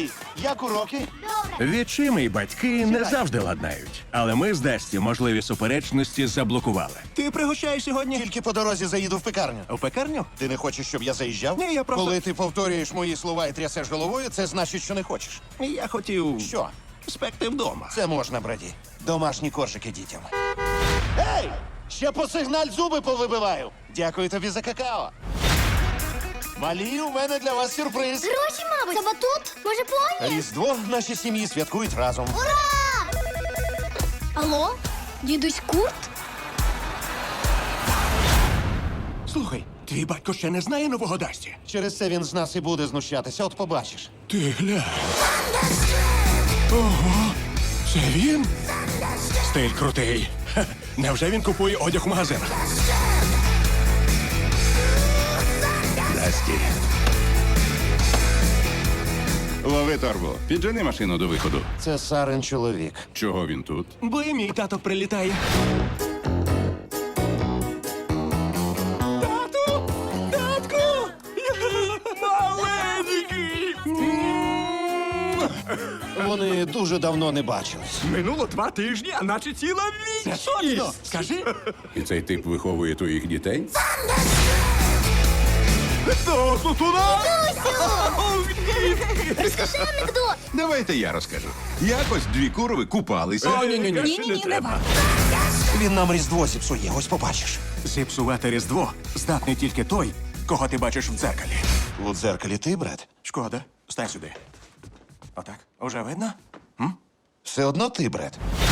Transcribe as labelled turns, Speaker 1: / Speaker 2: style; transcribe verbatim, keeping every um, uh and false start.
Speaker 1: Ей, як уроки?
Speaker 2: Відчими й батьки не завжди ладнають. Але ми з Дасті можливі суперечності заблокували.
Speaker 3: Ти пригощаєш сьогодні?
Speaker 1: Тільки по дорозі заїду в пекарню.
Speaker 3: У пекарню?
Speaker 1: Ти не хочеш, щоб я заїжджав?
Speaker 3: Ні, я просто-
Speaker 1: Коли ти повторюєш мої слова і трясеш головою, це значить, що не хочеш.
Speaker 3: Я хотів
Speaker 1: Що?
Speaker 3: спекти вдома.
Speaker 1: Це можна, браді. Домашні коржики дітям. Ей! Ще по сигналь зуби повибиваю. Дякую тобі за какао. Малі, у мене для вас сюрприз.
Speaker 4: Гроші, мабуть. Це батут? Може, поні?
Speaker 1: Різдво наші сім'ї святкують разом.
Speaker 4: Ура! Алло? Дідусь Курт?
Speaker 3: Слухай, твій батько ще не знає нового Дасті?
Speaker 1: Через це він з нас і буде знущатися, от побачиш.
Speaker 3: Ти глянь. Ого, це він? Стиль крутий. Ха, невже він купує одяг в магазинах?
Speaker 2: Дасті.
Speaker 5: Лови торбу. Піджени машину до виходу.
Speaker 1: Це Сарин чоловік.
Speaker 5: Чого він тут?
Speaker 3: Бо і мій тато прилітає. Тату! Татку! Маленький!
Speaker 1: Вони дуже давно не бачились.
Speaker 3: Минуло два тижні, а наче ціла вічність. Це точно! Скажи.
Speaker 5: І цей тип виховує твоїх дітей?
Speaker 3: Тату, туди!
Speaker 4: Розкажи анекдот.
Speaker 5: Давайте я розкажу. Якось дві курови купалися.
Speaker 3: О, ні-ні-ні.
Speaker 4: Ні-ні-ні, не варто.
Speaker 1: Він нам Різдво зіпсує, ось побачиш.
Speaker 3: Зіпсувати Різдво здатний тільки той, кого ти бачиш в дзеркалі.
Speaker 1: У дзеркалі ти, брат?
Speaker 3: Шкода, стань сюди. Отак, уже видно?
Speaker 1: Все одно ти, брат.